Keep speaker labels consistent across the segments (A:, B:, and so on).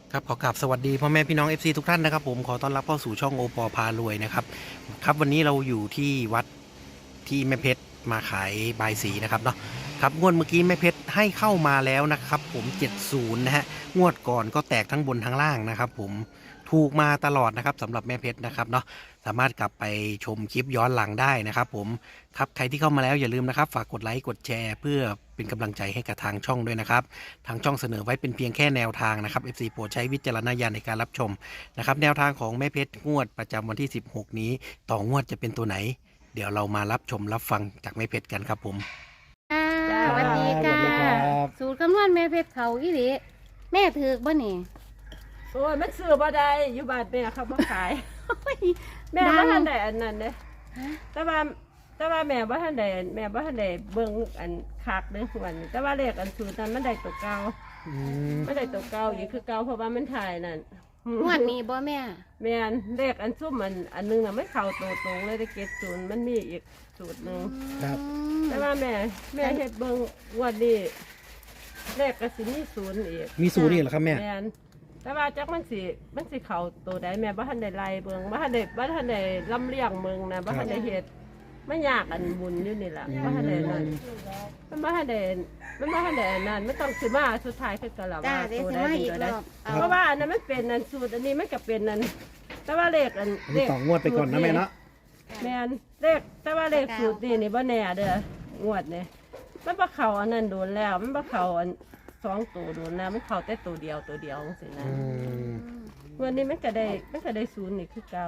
A: ครับขอกราบสวัสดีพ่อแม่พี่น้อง FC ทุกท่านนะครับผมขอต้อนรับเข้าสู่ช่องโอปอพารวยนะครับครับวันนี้เราอยู่ที่วัดที่แม่เพชรมาขายบายสีนะครับเนาะครับงวดเมื่อกี้แม่เพชรให้เข้ามาแล้วนะครับผม70นะฮะงวดก่อนก็แตกทั้งบนทั้งล่างนะครับผมถูกมาตลอดนะครับสำหรับแม่เพชรนะครับเนาะสามารถกลับไปชมคลิปย้อนหลังได้นะครับผมครับใครที่เข้ามาแล้วอย่าลืมนะครับฝากกดไลค์กดแชร์เพื่อเป็นกำลังใจให้กับทางช่องด้วยนะครับ ทางช่องเสนอไว้เป็นเพียงแค่แนวทางนะครับ FC โปรดใช้วิจารณญาณในการรับชมนะครับแนวทางของแม่เพชรงวดประจำวันที่16นี้ต่องวดจะเป็นตัวไหน เดี๋ยวเรามารับชมรับฟังจากแม่เพชรกันครับผม
B: ค่ะ
C: จ้า
B: สวัสดีจ้า
A: สวัสดีครับ
B: สูตรคำนวณแม่เพชรเขาอีหลีแม่ถือบ่นี่
C: โอ้ยมันซื้อบ่ได้อยู่บ้านแม่เขาบ่ขาย แม่
B: ดั
C: บ่
B: ง
C: ทันได้อันนั้นเด้
B: ฮะ
C: แต่ว่าแม่บ่ทันได้เบิ่งอันคักเด้หวนแต่ว่าเลขอันสูตรนั้นมันได้ตัวเก่ามันได้ตัวเก่าอีกคือเก่าเพราะว่ามันถ่ายนั่น
B: งวดนี้บ่แม่
C: แม่นเลขอันซุ่มอันนึงน่ะมันเข้าตัวตรงเลยได้เก็ดศูนย์มันมีอีกสูตรหนึง
A: ครับ
C: แต่ว่าแม่เฮ็ดเบิ่งงวดนี้เลขก็สิมีศูนย์อีก
A: มีสูตรนี่เหรอครับแม่
C: แม่นแต่ว่าจักมันสิเข้าตัวใดแม่บ่ทันได้ไล่เบิ่งบ่ทันได้ลำเลียงเบิ่งนะบ่ทันได้เฮ็ดมันยากอันบุญอยู่นี่ล่ะบ่ทันได้นั่นมันบ่ทันได้นั่นมันต้องสิมาสุดท้ายคือกันล่ะ
B: จ้า
C: ว่า
B: เดี๋ยว
C: ตัว
B: สิ
C: ใด
B: มา
C: เป็น
B: อีก
C: ตัว
B: ร
C: ใด
B: อบเอา
C: เพราะว่าอันนั้นมันเป็นอันสูตรอันนี้มันก็เป็นอันแต่ว่าเลขอัน
A: อันนี้ต่องวดไปก่อนนะแม่เนาะ
C: แม่นเลขแต่ว่าเลขสูตรนี่บ่แน่เด้องวดนี่มันบ่เข้าอันนั้นโดนแล้วมันบ่เข้าอัน2ตัวโดนแล้วมันเข้าแต่ตัวเดียวจังซี่นะ วันนี้มันก็ได้ศูนย์นี่คือเก่า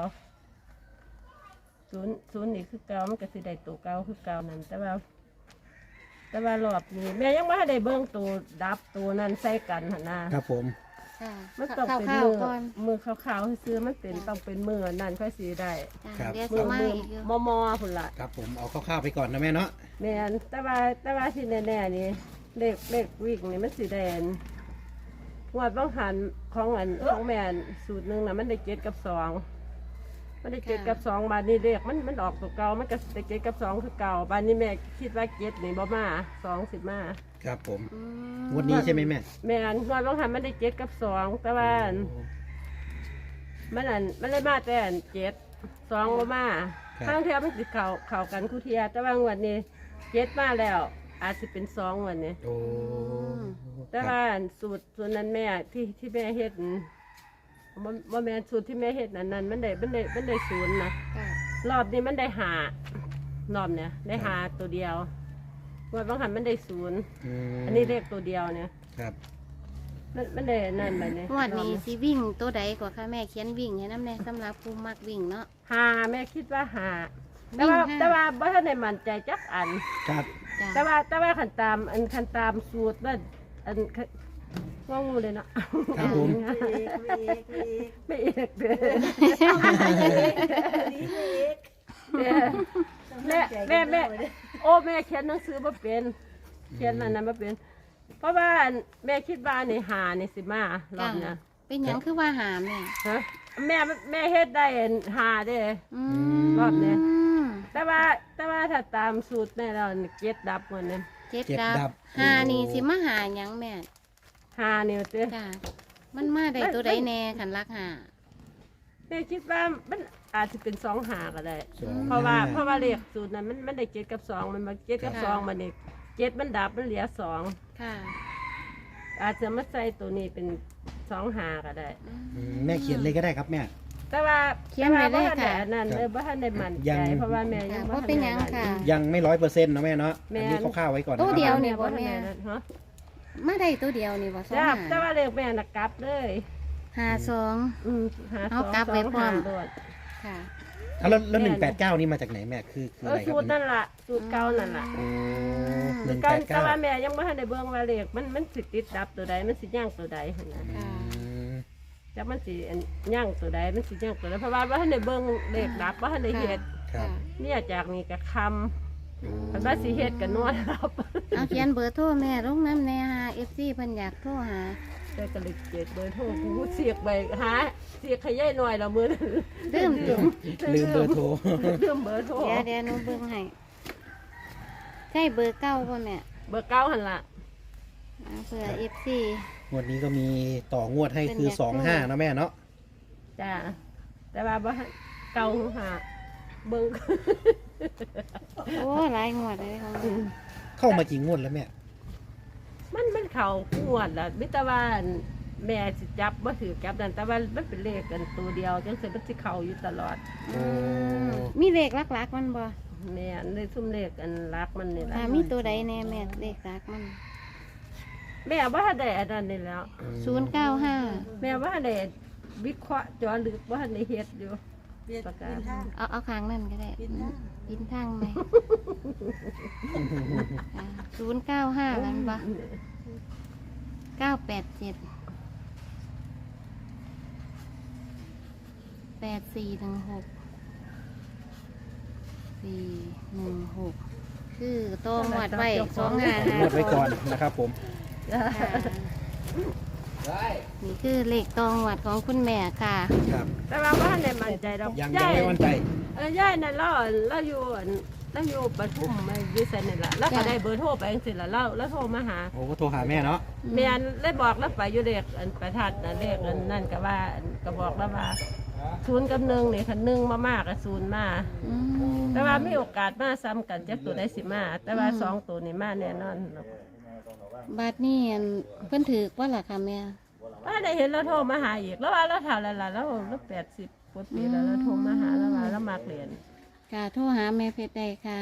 C: ศูนย์นี่คือเก่ามันก็สิได้ตัวเก่าคือเก่านั่นแต่ว่ารอบนี้แม่ยังไม่ได้เบิ่งตัวดับตัวนั้นใส่กันหั่นนะครับ
A: ผม
B: ค่ะ
C: มันต้องเป็น
B: ข้าวๆก่อน
C: มือขาวๆซื้อมันเป็นต้องเป็นมือนั่นค่อยสิได้
B: จ้าเดี๋ยว
C: มื
B: สิ
C: อ
B: มา
C: มือ
B: อีกอยู่
C: มอพุ่นล่ะ
A: ครับผมเอาคร่าวๆไปก่อนนะแม่เนาะ
C: แม่นแต่ว่าที่แน่ๆนี่เลขวิ่งนี่มันสิได้อันงวดบางหันของแม่นสูตรหนึงน่ะมันได้7กับ2 มันได้7กับ2บาทนี่เลขมันออกตัวเก่ามันก็ได้7กับ2คือเก่าบาทนี้แม่คิดว่า7นี่บ่มา2สิมา
A: ครับผม
B: อื
A: งวดนี้ใช่ไหมแม่
C: แม่นงวดบางหันมันได้7กับ2แต่ว่ามันเลยมาแต่อัน7 2บ่มาทางเทียมันสิเข้ากันคู่เทียแต่ว่างวดนี้7มาแล้ว อาจสิเป็น2งวดนี้
A: โอ้
C: แต่ว่าอันสูตรนั้นแม่ที่แม่เฮ็ดบ่แม่นสูตรที่แม่เฮ็ดนั้นมันได้ศูนย์นะ
B: จ้าร
C: อบนี้มันได้5รอบเนี่ยได้5ตัวเดียวงวดบางหันมันได้ศูนย์อันนี้เลขตัวเดียวเนี่ย
A: ครับ
C: มันได้นั่นไปเนี่ย
B: งวดนี้สิวิ่งตัวใดกว่าค่ะแม่เขียนวิ่งให้น้ำแน่สำหรับผู้มักวิ่งเนาะ
C: แม่คิดว่าแต่
B: วิ่ง
C: ว่า
B: ห้า
C: แต่ว่าบ่ทันได้มั่นใจจักอัน
A: ครับ
B: จ้า
C: แต่ว่าคันตามสูตรนั่นอันงองูเลยเนาะ
A: ครับผม
C: ไม่เอกเด้แม่โอ้แม่เขียนหนังสือบ่เป็นเขียนอันนั้นบ่เป็น เพราะว่าแม่คิดว่านี่นี่สิมารอบเนี้ย
B: เป็นหยังคือว่าหาแม่
C: ฮะแม่เฮ็ดได้เด้
B: อืม
C: รอบนี้ แต่ว่าถ้าตามสูตรแม่เรานี่เจ็ดดับหมดเนี่ย
B: เจ็ด
A: เจ็ดดั
B: ดับบ หานี่สิมาหาหยังแม่
C: นี่เต้
B: จ้ามันมาได้ตัวใดแน่ขันรักหา
C: แม่คิดว่ามันอาจจะเป็น2 ก็ได้
A: สอง
C: เพราะว่าเลขสูตรนั้นมันได้7กับ2มันมา7กับ2มันนี่7มันดับมันเหลือ2
B: ค่ะ
C: อาจจะมาใส่ตัวนี้เป็น2 ก็ได้
A: แม่เขียนเลยก็ได้ครับแม่
C: แต่ว่า
B: เขียนไว้เลยค่ะ
C: แต่ว่าบ่ทันได้อันนั่นเลยบ่ทันได้มั่น
A: ยั
C: ใจ
A: ง
C: เพราะว่าแม่ยั
B: ค่ะ
C: ง
B: เพราะเป็นหยังค่ะ
A: ยังไม่100%นะแม่เนาะ
C: แม่
A: อันนี้คร่าวๆไว้ก่อนนะ
B: ตัว
A: ครับ
B: เดียว
C: บ่ทันได้นั่นฮะ
B: มาได้ตัวเดียวนี่ว่าสอง
C: จ้า
B: หา
C: แต่ว่าเลขแม่น่ะกลับเลย
B: หาสอง
C: หา
B: เอา
C: 2
B: กลับไว้พร้อม
C: 2 5โดด
B: ค่ะ
A: อ่ะแล้ว189นี่มาจากไหนแม่คืออะไรค
C: สู
A: รับ
C: ตรนั่นล่ะสูตรเก่านั่นล่ะ
A: โอ้
C: สูตรเก่าแต่ว่าแม่ยังไม่ทันได้เบิ่งว่าเลขมันสิติดดับตัวใดมันสิย่างตัวใดหั่นนะ
B: ค่ะ
C: จักมันสิย่างตัวใดมันสิย่างตัวใดเพราะว่าบ่ทันได้เบิ่งเลขดับบ่ทันได้เฮ็ด
A: ครับ
C: เนี่ยจากนี้ก็คำเพิ่นว่าสิเฮ็ดก็นวดรับ
B: เอาเขียนเบอร์โทรแม่ลงน้ำแน่หาเอฟซีเพิ่นอยากโทรหา
C: แต่ก็เลยเจ็ดเบอร์โทรกูเสียกไปหาเสียกขยายหน่อยละมื้อนั้น
B: ลืมจุ่ม
A: ลืมเบอร์โทร
C: ลืมเบอร์โทร
B: เดี๋ยวหนูเบิ่งให้ใช่เบอร์เก้าป่ะแม่
C: เบอร์เก่าหั่นล่ะ
B: เอาเผื่อเอฟซี
A: งวดนี้ก็มีต่องวดให้คือ25นะแม่เนาะ
C: จ้าแต่ว่าบ่เก่าหาเบิ่ง
B: โอ้หลายงวดเลยของแม่
A: เข้ามากี่งวดแล้วแม่
C: มันเข้าขวดล่ะมิตรว่าแม่สิจับบ่ถือจับนั่นแต่ว่ามันเป็นเลขกันตัวเดียวจังซี่มันสิเข้าอยู่ตลอด
B: อืมมีเลขหลักๆมันบ่
C: แม่นเลยซุ่มเลขอันรักมันนี่ล่ะ
B: มีตัวใดแน่แม่เลขหลักมัน
C: แม่ว่าได้อันนั้นนี่แล้ว
B: 095
C: แม่ว่าได้วิเคราะห์เจอลึกว่าได้เฮ็ดอยู่ประกาศ
B: เอาข้างนั่นก็ได้ปินทางไหม095กันบ่987 8416 416คือโตหมวดไว้
A: งวดไว้ก่อนนะครับผม
B: นี่คือเลขตองหวัดของคุณแม่ค่ะ
A: ครับ
C: แต่ว่าบ่ทันได้มั่นใจดอก
A: ยังไม่มั่นใจ
C: ยายนั่นเราอยู่ปทุมอยู่ไสนี่ล่ะแล้วก็ได้เบอร์โทรไปจังซี่ล่ะเราโทรมาหา
A: โอ้ก็โทรหาแม่เนาะ
C: แม่นเลยบอกแล้วไปอยู่เลขอันประทัดน่ะเลขอันนั่นก็ว่าก็บอกแล้วว่า0กับ1นี่คัน1มากๆก็0มา
B: อืม
C: แต่ว่ามีโอกาสมาซ้ำกันจักตัวได้สิมาแต่ว่า2ตัวนี่มาแน่นอน
B: บัดนี้อันเพิ่นถือว่าล่ะค่ะแม่
C: ว่าได้เห็นเราโทรมาหาอีกแล้วว่าเราถามอะไรล่ะแล้ว80กว่าปีแล้วเราโทรมาหาแล้วว่าเรามักเรียน
B: ค่ะโทรหาแม่เพชรได้ค่ะ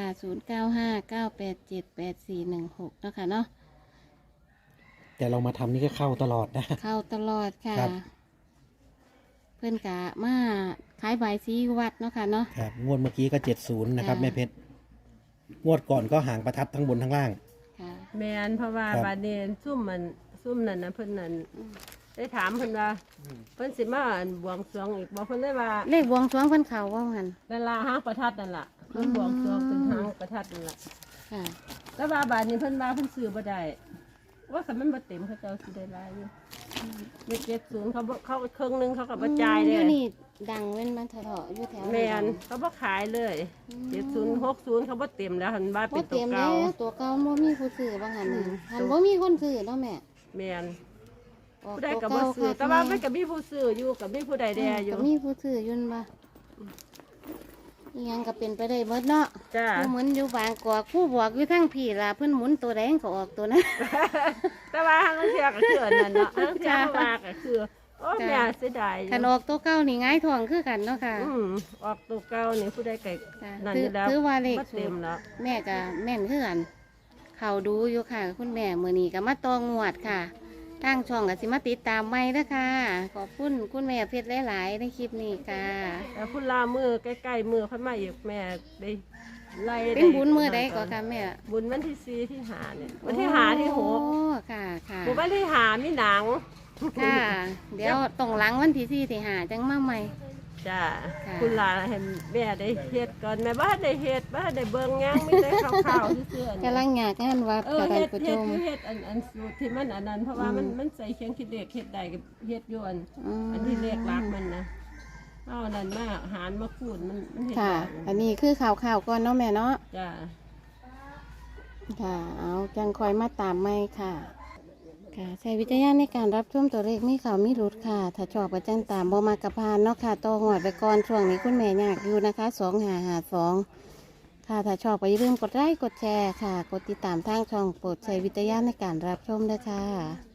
B: 0959878416เนาะค่ะเนาะ
A: แต่เรามาทำนี่ก็เข้าตลอดนะ
B: เข้าตลอดค่ะ
A: ครับ
B: เพิ่นกะมาขายใบายสีวัดเนาะค่ะเนาะ
A: ครับงวดเมื่อกี้ก็70นะครับ
B: ค่ะ
A: แม่เพชรงวดก่อนก็หางประทัดทั้งบนทั้งล่าง
B: ค่ะ
C: แมนเพราะว่า
A: ครับ
C: บาดเนนซุ่มนั่นนะเพิ่นนั่นได้ถามเพิ่นว่าเพิ่นสิมาอันบวงสรวงอีกบอกเพิ่นได้ว่า
B: เลขบวงสรวงเพิ่นเขาว่าหัน
C: เวลาหางประทัดนั่นล่ะเพิ่นบวงสรวงเป็นหางประทัดนั่นล่ะ
B: ค่ะ
C: แล้วว่าบาดนี้เพิ่นว่าเพิ่นซื้อบ่ได้ว่าคันมันบ่เต็มเขาเจ้าสิได้หลายอยู่70เขาครึ่งหนึงเขาก็บ่จ่ายเล
B: อยู่
C: ย
B: นี่ดังเว้นมาเถอะอยู่แถว
C: แมนเขาบ่ขายเลย70 60เขาบ่เต็มแล้วหันว่า
B: บ่
C: เป็นตั
B: เต็
C: ว
B: มแล้
C: เก่าว
B: ตัวเก่าบ่มีผู้ซื้อว่าหันน่ะหันบ่มีคนซื้อเนาะแม่
C: แมน
B: ออก
C: ผู้ใด
B: ตัว
C: ก็
B: เก่า
C: บ่ซื้อ
B: ค่ะ
C: แต่ว่ามันก็มีผู้ซื้ออยู่กับมีผู้ใดแดอยู่
B: ก็มีผู้ซื้ออยุ่นบ่อีหยังก็เป็นไปได้หมดเนาะ
C: จ้า
B: ผู้หมุนอยู่บางกอกผู้บอกอยู่ทั้งพี่ล่ะเพิ่นหมุนตัวแดงก็ออกตัวนั้น
C: แต่ว่าทางเทือก็คืออันนั้นเนาะทางเทือเขาว่าก็คือโอ้แม่เสียดายอยู่
B: คันออกตัวเก่านี่หงายท้องคือกันเนาะค่ะ
C: ออกตัวเก่านี่ผู้ใดไก่
B: ค่ะ
C: นั่น
B: ถื
C: อ
B: อยู่
C: แล้ว
B: ถือว่าเลข
C: บ่
B: สู
C: เต็
B: ต
C: ม
B: ร
C: แล้ว
B: แม่ก็แม่นคือกันเขาดูอยู่ค่ะ คุณแม่มื้อนี้ก็มาตองวดค่ะทางช่องก็สิมาติดตามใหม่เด้อค่ะ ขอบคุณคุณแม่เพชรหลายๆในคลิปนี้ค่ะ
C: แต่พุ่นลามือใกล้ๆมือเพิ่นมาอีกแม่ได้ไล่
B: เป็นบุญมื้อใดก็ค่ะแม่
C: บุญวันที่4ที่5เนี่ยวันที่5ที่
B: โอ้ค่ะค่ะ
C: 6บุญวันที่5มีหนัง
B: ค่ะ เดี๋ยวตรงหลังวันที่สี่ที่หาจังมาใหม่
C: จ้า
B: ค่ะ
C: คุณลาเห็นแม่ได้เฮ็ดก่อนแม่บ้านได้เฮ็ดบ้านได้เบิ่งหยังมีแต่ข้าวๆซื่อๆ
B: กำลังอยากงานวัดกระได
C: เฮ็ด
B: ประ
C: เฮ็
B: ชุ
C: ด
B: ม
C: อยู่เฮ็ดอันสูตรที่มันอันนั้นเพราะว่ามันใส่เคียงคิดเด็กเฮ็ดได้กับเฮ็ดอยู่อันที่เลขลักมันนะเอาอันนั้นมาหารมาคูณมันเฮ็ด
B: ค่ะ
C: ได้
B: อันนี้คือข่าวก่อนเนาะแม่เนาะ
C: จ้า
B: ค่ะ เอาจังคอยมาตามไม่ค่ะ ค่ะใช้วิจารณญาณในการรับชมตัวเลขมีข่าวมีรุดค่ะ ถ้าชอบก็จังตามบ่มากระพานเนาะค่ะต่อหอดไปก่อนช่วงนี้คุณแม่อยากอยู่นะคะ2552ค่ะ ถ้าชอบก็อย่าลืมกดไลค์กดแชร์ค่ะ กดติดตามทางช่องโปรดใช้วิจารณญาณในการรับชมด้วยค่ะ